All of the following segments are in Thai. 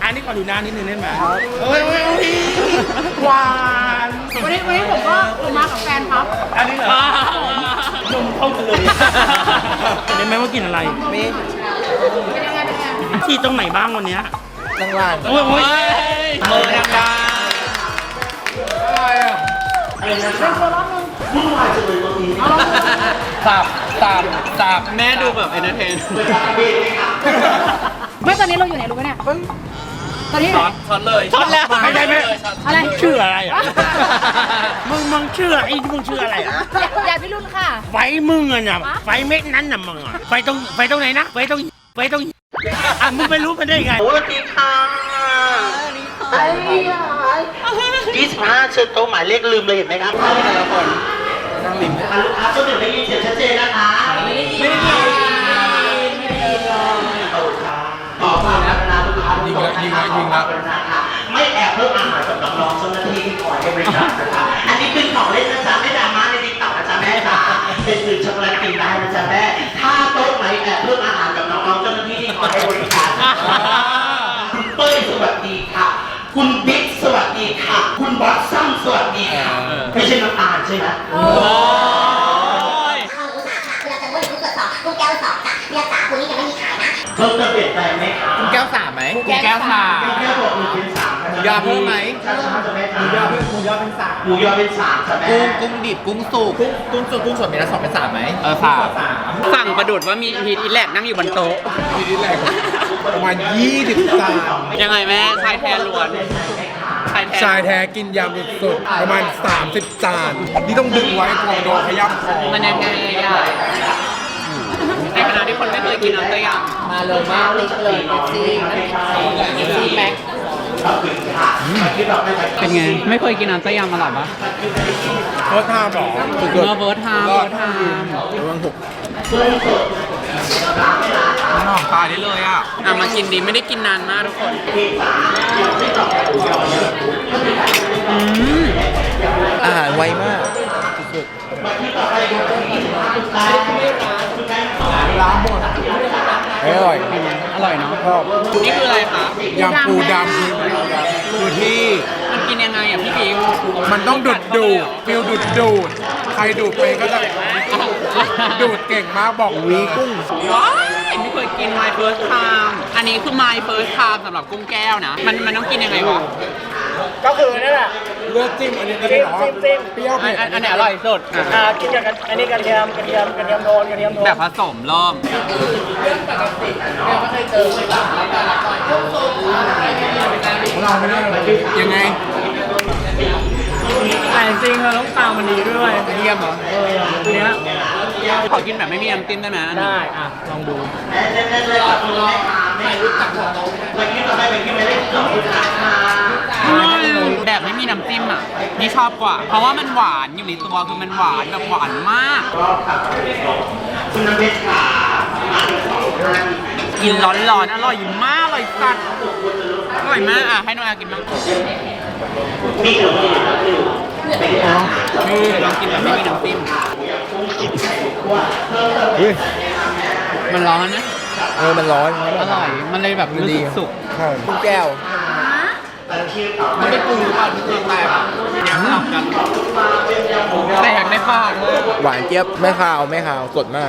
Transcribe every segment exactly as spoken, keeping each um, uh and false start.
อันนี้ขอดูหน้านิดนึงได้ไหมเอ้ยเอ้ยเอ้ยหวานวันนี้วันนี้ผมก็ผมมากับแฟนครับอันนี้เหรอนมเข้ากันเลยเห็นไหมว่ากินอะไรมีเป็นยังไงเป็นยังไงที่ตรงไหนบ้างวันเนี้ยล่างล่างโอ้ยโอ้ยเมือดังดาเป็นตัวรอบนึงเอาลองดูสับสับสับแม่ดูแบบเอนเตอร์เทนไม่ตอนนี้เราอยู่ไหนรู้ไหมเนี่ยตอนนี้ช็อตช็อตเลยช็อตแล้วไม่ใช่ไม่อะไรชื่ออะไรอ่ะมึงมึงชื่อไอ้มึงชื่ออะไรอ่ะอย่าพี่รุ่นค่ะไฟมึงอ่ะน่ะไฟเม็ดนั้นน่ะมึงอ่ะไฟตรงไฟตรงไหนนะไฟตรงไฟตรงอ่ะมึงไปรู้มันได้ไงสวัสดีค่ะไอ้ยี่สิบห้าเชิญโต๊ะหมายเลขลืมเลยเห็นไหมครับแต่ละคนนั่งริมลูกค้าตัวหนึ่งได้ยินเสียงชัดเจนนะคะไม่ได้ยินไม่ได้ยินไม่ได้ยินต่อไปนะลูกค้ายิงแล้วยิงแล้วยิงแล้วไม่แอบเพิ่มอาหารกับน้องๆเจ้าหน้าที่ที่คอยให้บริการนะคะอันนี้เป็นของเล่นนะจ๊ะไม่ดราม่าในติ๊กต็อกนะจ๊ะแม่จ๋าเป็นสื่อช็อกโกแลตกินได้นะจ๊ะแม่ถ้าโต๊ะไหนแอบเพิ่มอาหารกับน้องๆเจ้าหน้าที่ที่คอยให้บริการคุณเป้ยสวัสดีค่ะคุณบิ๊กสวัสดีค่ะคุณบอสซัมสวัสดีค่ะไม่ใช่น้ำตาลใช่ไหมกุ้งแก้วสองค่ะเรียกสาคุณนี่ยังไม่มีขายนะเพิ่มจะเปลี่ยนแปลงไหมคะกุ้งแก้วสามไหมกุ้งแก้วสามแก้วบอกหนึ่งเป็นสามหมูยอเพิ่มไหมช้าๆจะแม่หมูยอเป็นหมูยอเป็นสามหมูยอเป็นสามจะแม่กุ้งกุ้งดิบกุ้งสุกกุ้งกุ้งสุกกุ้งสดมีละสองเป็นสามไหมเออสามสั่งประดุดว่ามีฮีทอีแลกนั่งอยู่บนโต๊ะทีนี้แหละประมาณยี่สิบจานยังไงแม่ชายแท้ล้วนชายแท้ชายแท้กินยำสุดๆประมาณสามสิบจานนี่ต้องดึงไว้กลัวโดนขย้ำคอมันยังไงอ่ะในขณะที่คนไม่เคยกินน้ำเต้ยำมาเลยมากเลยเลยเอฟซีเอฟซีแม็กเป็นไงไม่เคยกินน้ำเต้ยำอร่อยปะเพิร์ทามบอกสุดเนื้อเวิร์ดไทม์เวิร์ดไทม์ๆระวังหกน้องตายได้เลยอ่ะอ่ะมากินดีไม่ได้กินนานมากทุกคนอืมอาหารไวมากล้างหมดอร่อยอร่อยเนาะชอบนี่คืออะไรคะยำปูดำคือคือที่มันกินยังไงอ่ะพี่บิ๊กมันต้องดูดดูดฟิลดูดดูดใครดูดไปก็จะดูดเก่งมากบอกวีกุ้งว้ายไม่เคยกิน my first time อันนี้คือ my first time สำหรับกุ้งแก้วนะ มันมันต้องกินยังไงวะก็คือนั่นแหละเลือกจิ้มอันนี้ก็ได้หรอจิ้มจิ้มเปรี้ยวอัเผ็นดอันอันไหนอร่อยสุดอ่ะอ่ากินกับอันนี้กระเทียมกระเทียมกระเทียมโทนกระเทียมโทนแบบผสมเริ่มเราไม่ได้ยังไงแต่จริงๆเราต้องตามมันดีด้วยเยี่ยมเหรอเออเนี้ยขอกินแบบไม่มีน้ำจิ้มได้ไหมอันนี้ได้อ่ะลองดูแบบไม่มีน้ำจิ้มอ่ะ นี่ชอบกว่า เพราะว่ามันหวานอยู่ในตัวคือมันหวานแบบหวานมาก กินร้อนๆอร่อยมากอร่อยสัตว์อร่อยมากอ่ะให้น้องอากินบ้างนี่ลองกินแบบไม่มีน้ำจิ้มเฮ้ยมันร้อนนะเออ มันร้อนอร่อย มันเลยแบบรู้สึกสุกใช่กุ้งแก้วมันไม่ปรุงหรือเปล่ามันคือแตกยังหลับกันแตกในปากเลยหวานเจี๊ยบ ไม่คาว ไม่คาว สดมาก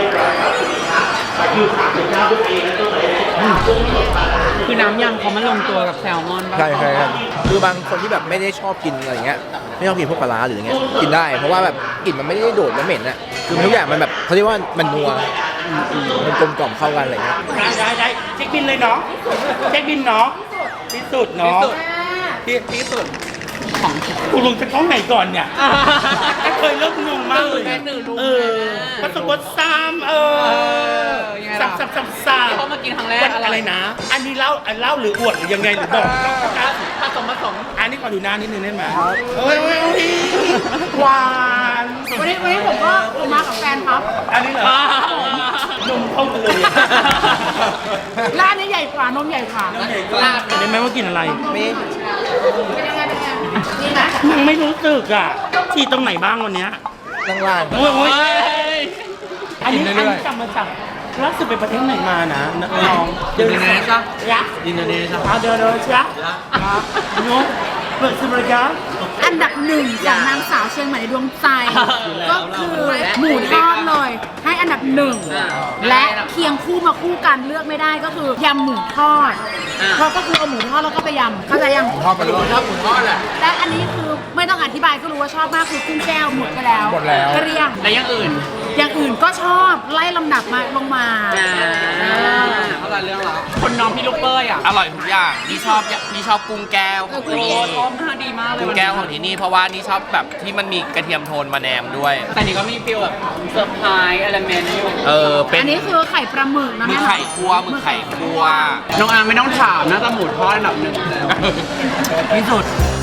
คือน้ำยำเขามันลงตัวกับแซลมอนป่ะใช่ใช่ครับคือบางคนที่แบบไม่ได้ชอบกินอะไรเงี้ย ไม่ชอบกินพวกปลาร้าหรืออย่างเงี้ย กินได้ เพราะว่าแบบกลิ่นมันไม่ได้โดดและเหม็นอะคือทุกอย่างมันแบบเขาเรียกว่ามันนัวมันกลมกล่อมเข้ากันอะไรเงี้ยได้ได้ได้เช็คบินเลยเนาะเช็คบินเนาะที่สุดที่เนาะสุดที่ที่สุดของกูลงจะต้องไหนก่อนเนี่ยก็เคยเริ่มงงมากเลยแม่หนึ่งรู้เออผสมบดซ้ำเออยังไงสัล่ะบสับสับสับเขามากินครั้งแรกมันอะไรนะ อันนี้เล่าอันเล่าหรืออวดหรือยังไงหรือบอกผสมผสมอันนี้ขอดูหน้านิดนึงได้ไหมเอ้ยเอ้ยเอ้ยหวานวันนี้วันนี้ผมก็ผมมากับแฟนครับอันนี้เหรอนมเข้ากันเลยร้านนี้ใหญ่กว่านมใหญ่กว่าลาดเห็นไหมว่ากินอะไรมีเป็นยังไงเป็นยังไงนี่นะมึงไม่รู้สึกอ่ะที่ตรงไหนบ้างวันเนี้ยล่างล่างโอ้ยโอ้ยอันนี้อันนี้จำมาจากล่าสุดไปประเทศไหนมานะน้องอินโดนีเซียยักษ์อินโดนีเซียเอาเดี๋ยวเดี๋ยวยักษ์น้องเปิดสมรยาอันดับหนึ่งของนางสาวเชียงใหม่ในดวงใจ ก็คือหมูทอดเลย ให้อันดับหนึ่งและเคียงคู่มาคู่กันเลือกไม่ได้ก็คือยำหมูทอดเพราะก็คือเอาหมูทอดแล้วก็ไปยำเข้าใจยังทอดไปเลยทอดหมูทอดแหละและอันนี้คือไม่ต้องอธิบายก็รู้ว่าชอบมากคือกุ้งแก้วหมดไปแล้วหมดแล้วเกลี้ยงและอย่างอื่นอย่างอื่นก็ชอบไล่ลำดับมาลงมาเขาละเรื่องแล้วคนน้องพี่ลูกเป้ยอ่ะอร่อยทุกอย่างนี่ชอบนี่ชอบกุ้งแก้วของที่นี่ชอบมากดีมากเลยกุ้งแก้วของที่นี่เพราะว่านี่ชอบแบบที่มันมีกระเทียมโทนมาแนมด้วยแต่นี่ก็มีฟีลแบบเซอร์ไพรส์อะไรเมนต์อยู่เออเป็นอันนี้คือไข่ปลาหมึกนะมืแม่อไข่คั่วมือไข่คั่วน้องอาร์มไม่ต้องถามนะแต่หมูทอดอันดับหนึ่งที่สุด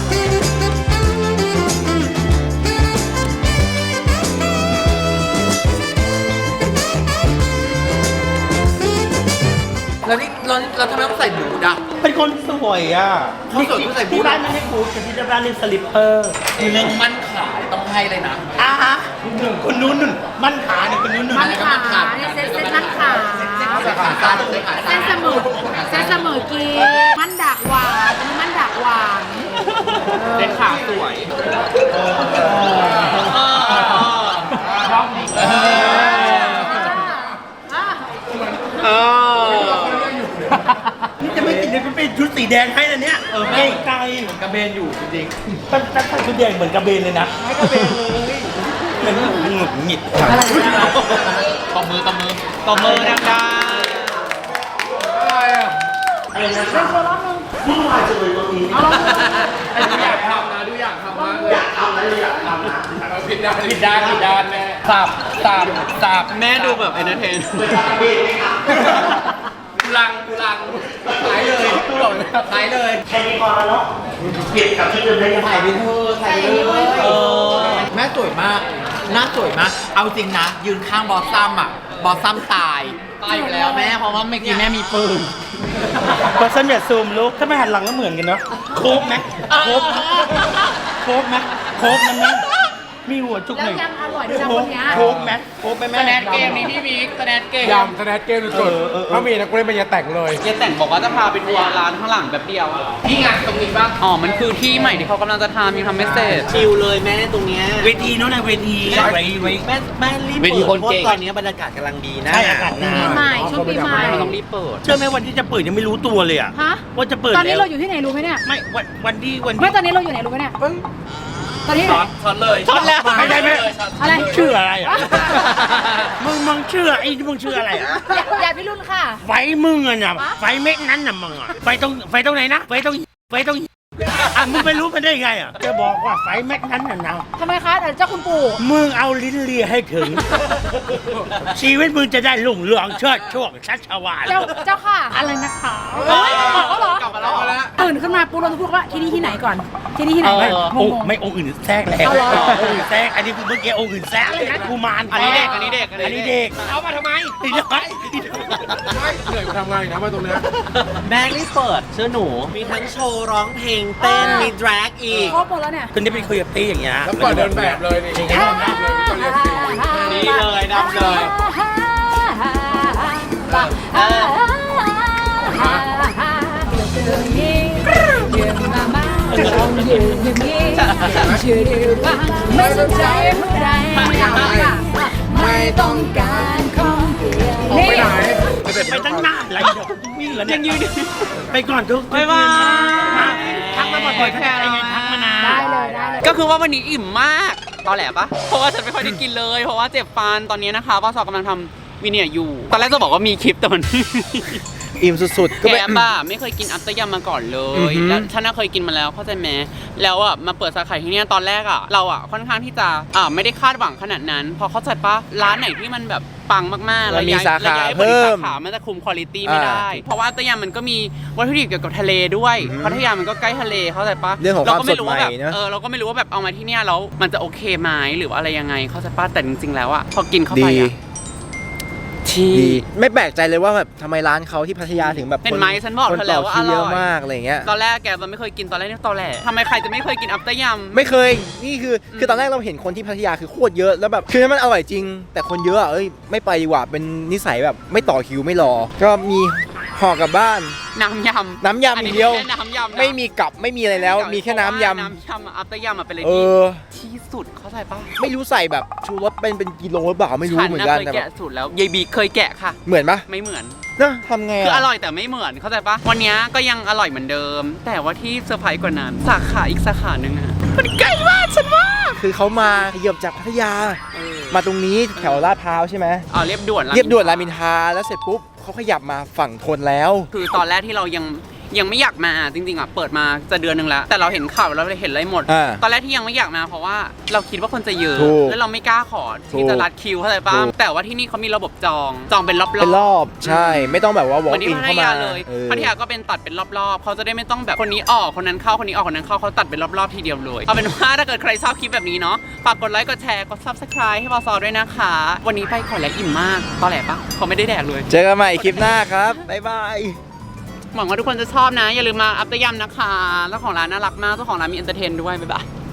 แล้วนี่เราเราทำไมต้องใส่บูทอ่ะเป็นคนสวยอ่ะเขาสวยต้องใส่บูทที่บ้านไม่ให้บูทแต่ที่บ้านเรียกสลิปเปอร์เรื่องมั่นขายต้องให้เลยนะอ่ะฮะคนนู้นนุ่นมั่นขาเนี่ยคนนู้นนุ่นมันขาเนี่ยเส้นเส้นนั่งขาขาสั้นเลยขาเส้สั้นนเสมอเส้นเสมอกีมันดักหวานอันนี้มันดักหวานเป็นขาสวยเออนี่จะไม่ติดเลยมันเป็นชุดสีแดงให้นะเนี่ยเออไม่ไกลกระเบนอยู่จริงตั้งตั้งชุดแดงเหมือนกระเบนเลยนะไม่กระเบนเลยเหมือนหงุดหงิดตบมือตบมือตบมือดังอะไรอ่ะอะไรนะครับวุ่นวายจังเลยตรงนี้ๆอยากทำนะดูอยากทำมากเลยอยากทำอะไรอยากทำนะผิดด้านผิดด้านผิดด้านแม่สับสับสับแม่ดูแบบเอนเตอร์เทนกูลังกูลังขายเลยบอกเลยขายเลยแค่นี้พอแล้วเนาะเปลี่ยนกับที่เดิมได้ยังไงถ่ายไปเถอะถ่ายไปเลยเออแม่สวยมากหน้าสวยมาก เอาจริงนะ ยืนข้างบอสซัมอ่ะ บอสซัมตาย ตายอยู่แล้วแม่ เพราะว่าเมื่อกี้แม่มีปืนพอสันอย่าซูมลูกถ้าไม่หันหลังก็เหมือนกันเนาะโคบไหมโคบโคบไหมโคบมันไหมมีหัวจุกหแล้วนึ่งยังอร่อยด้วยนะคนเนี้ยโคบไหมโคบไหมแม่สแนนเกมนี้พี่บิ๊กสแนนเกมยำสแนทเกมสุดๆถ้ามีนะกูเล่นเป็นยาแต่งเลยเจ๊แต่งบอกว่าจะพาไปทัวร์ร้านข้างหลังแบบเดียวนี่ไงตรงนี้ป่ะอ๋อมันคือที่ใหม่ที่เขากำลังจะทำยังทำไม่เสร็จชิลเลยแม่ตรงเนี้ยเวทีโน้นนะเวทีไว้ไว้แม่แม่รีบเวทีคนเก่งพราะตอนนี้บรรยากาศกำลังดีนะใช่อากาศหนาวปีใหม่ช่วงปีใหม่เราต้องรีบเปิดเชื่อไหมวันที่จะเปิดยังไม่รู้ตัวเลยอะฮะว่าจะเปิดตอนนี้แล้วเราอยู่ที่ไหนรู้ไหมเนี่ยไม่วันวันที่วันไม่ที่ตอนนี้เราอยู่ไหนรู้ไหมเนี่ยตอนนี้ช็อตช็อตเลยช็อตแล้วไม่ใช่ไม่อะไรชื่ออะไรอะมึงมึงชื่อไอ้ที่มึงชื่ออะไรอะอย่าอย่าพี่รุ่นค่ะไฟมึงอะน่ะไฟเม็ดนั้นน่ะมึงอะไฟตรงไฟตรงไหนนะไฟตรงไฟตรงอ่ะมึงไปรู้มันได้ไงอะจะบอกว่าไฟเม็ดนั้นน่ะนะทำไมคะแต่เจ้าคุณปู่มึงเอาลิ้นเลียให้ถึง ชีวิตมึงจะได้ลุ่งเรืองเชิดช่วงชัชวาลเจ้าเจ้าค่ะอะไรนะคะเฮ้ยบอกแล้วเหรอกลับมาแล้วเหรอตื่นขึ้นมาปุ๊บเราจะพูดว่าที่นี่ที่ไหนก่อน ที่นี่ที่ไหนไม่งองค์งไม่องค์อื่นแทรกแล้วเอาเหรอองค์อื่นแทรกอันนี้คือเมื่อกี้องค์อื่นแทรกเลยนะกูมารอันนี้เด็กอันนี้เด็กอันนี้เด็กเอามาทำไมอีเด็กเหนื่อยมาทำงานอีกนะมาตรงเนี้ยแม่รีบเปิดเชื่อหนู มีทั้งโชว์ร้องเพลงเต้น มีดรากอีกครบหมดแล้วเนี่ยคนนี้ไปคุยกับตี้อย่างเงี้ยแล้วเปิดเดินแบบเลยนี่อย่างเงี้ยดับเลยก็เรียกสีนี่เลยดับเลยไม่สนใจผู้ใดไม่ต้องการของเดียวออกไปไหนไปตั้งนานอะไรเดี๋ยววิ่งแล้วเนี่ยยังยืนไปก่อนทุกบ๊ายบายทักมาบ่อยๆทักมาไงทักมานานได้เลยได้เลยก็คือว่าวันนี้อิ่มมากตอนแหลปะเพราะว่าฉันไม่ค่อยได้กินเลย เพราะว่าเจ็บฟันตอนนี้นะคะว่าสอกำลังทำวิเนียอยู่ ตอนแรกจะบอกว่ามีคลิปแต่มันอิ่มสุดๆ ก็แกไม่บ้าไม่เคยกินอัตตยำมาก่อนเลอือย หือแล้วฉันน่ะเคยกินมาแล้วเข้าใจไหมแล้วอ่ะมาเปิดสาขาที่เนี้ยตอนแรกอ่ะเราอ่ะค่อนข้างที่จะอ่าไม่ได้คาดหวังขนาดนั้นพอเข้าใจปะร้านไหนที่มันแบบปังมากๆแล้วมีย้ยสาขาแล้วย้ยไปเพิ่มสาขามันจะคุมคุณภาพไม่ได้อ่าเพราะว่าอัตตยำมันก็มีวัตถุดิบเกี่ยวกับทะเลด้วยพัทยามันก็ใกล้ทะเลเข้าใจปะเรื่องของความก็ไม่รู้ว่าแบบสดใหม่เนอะเออเราก็ไม่รู้ว่าแบบเอามาที่เนี้ยแล้วมันจะโอเคไหมหรือว่าอะไรยังไงเข้าใจปะแต่จริงๆแล้วอ่ะพอกินเข้าไปดีอ่ะทีที่ดีไม่แปลกใจเลยว่าแบบทำไมร้านเขาที่พัทยาถึงแบบเห็นไหมฉันบอกคนเธอแล้วว่าต่คิอร่อยเยอะมากอะไรเงี้ยตอนแรกแกมันไม่เคยกินตอนแรกนี่ตอนแรกทำไมใครจะไม่เคยกินอัปเตอร์ยำไม่เคยนี่คือคือตอนแรกเราเห็นคนที่พัทยาคือโคตรเยอะแล้วแบบคือมันอร่อยจริง แต่คนเยอะอะเอ้ยไม่ไปดีกว่าเป็นนิสัยแบบไม่ต่อคิวไม่รอ ก็มีห่อกลับบ้านน้ำยำน้ำยำอย่างเดียวอันนี้ไม่ใช่น้ำยำนะไม่มีกับไม่มีอะไรแล้ว มีแค่น้ำยน้ำยำอัปเตอร์ยำอะเป็นอะไรำเอที่อที่สุดเข้าใจปะไม่รู้ใส่แบบชูรสเป็นเป็นกิโลหรือเปล่าไม่รู้เหมือนกันฉัแต่เคยแบแกะบสูตรแล้วยายบีเคยแกะค่ะเหมือนปะไม่เหมือนนะทำไงคือออะร่อยแต่ไม่เหมือนเข้าใจปะวันนี้ก็ยังอร่อยเหมือนเดิม แต่ว่าที่เซอร์ไพรส์กว่านั้นสาขาอีกสาขาหนึ่งอะมันใกล้มากฉันว่าคือเขามาขยับจากพัทยา มาตรงนี้แถวลาดพร้าวใช่ไหมอ๋อเรียบด่วนเรียบด่วนรามอินทราแล้วเสร็จปุ๊บเขาขยับมาฝั่งทนแล้วคือตอนแรกที่เรายังยังไม่อยากมาจริงๆอ่ะเปิดมาจะเดือนหนึ่งแล้ว แต่เราเห็นข่าวแล้วเราเห็นอะไรหมดอ่าตอนแรกที่ยังไม่อยากมาเพราะว่าเราคิดว่าคนจะเยอะถูกแล้วเราไม่กล้าขอที่จะรัดคิวเข้าใจป่ะถูกแต่ว่าที่นี่เขามีระบบจองจองเป็นรอบๆเป็นรอบใช่ไม่ต้องแบบว่าเห walk มือนที่ in พัทเข้ามายาเลยเออพัทยาก็เป็นตัดเป็นรอบๆเขาจะได้ไม่ต้องแบบคนนี้ออกคนนั้นเข้าคนนี้ออกคนนั้นเข้าเขาตัดเป็นรอบๆทีเดียวเลยเอาเป็นว่าถ้าเกิดใครชอบคลิปแบบนี้เนาะฝากกดไลค์กดแชร์กด ซับสไครบ์ ให้บอสซอด้วยนะคะ วันนี้ไปขอแล้วอิ่มมากตอนแหลปะเขาไม่ได้แดกเลยเจอกันใหม่คลิปหน้าครับบ๊ายบายหวังว่าทุกคนจะชอบนะ อย่าลืมมาอัปเตอร์ยำนะคะเจ้าของร้านน่ารักมากเจ้าของร้านมีเอนเตอร์เทนด้วยบ๊ายบาย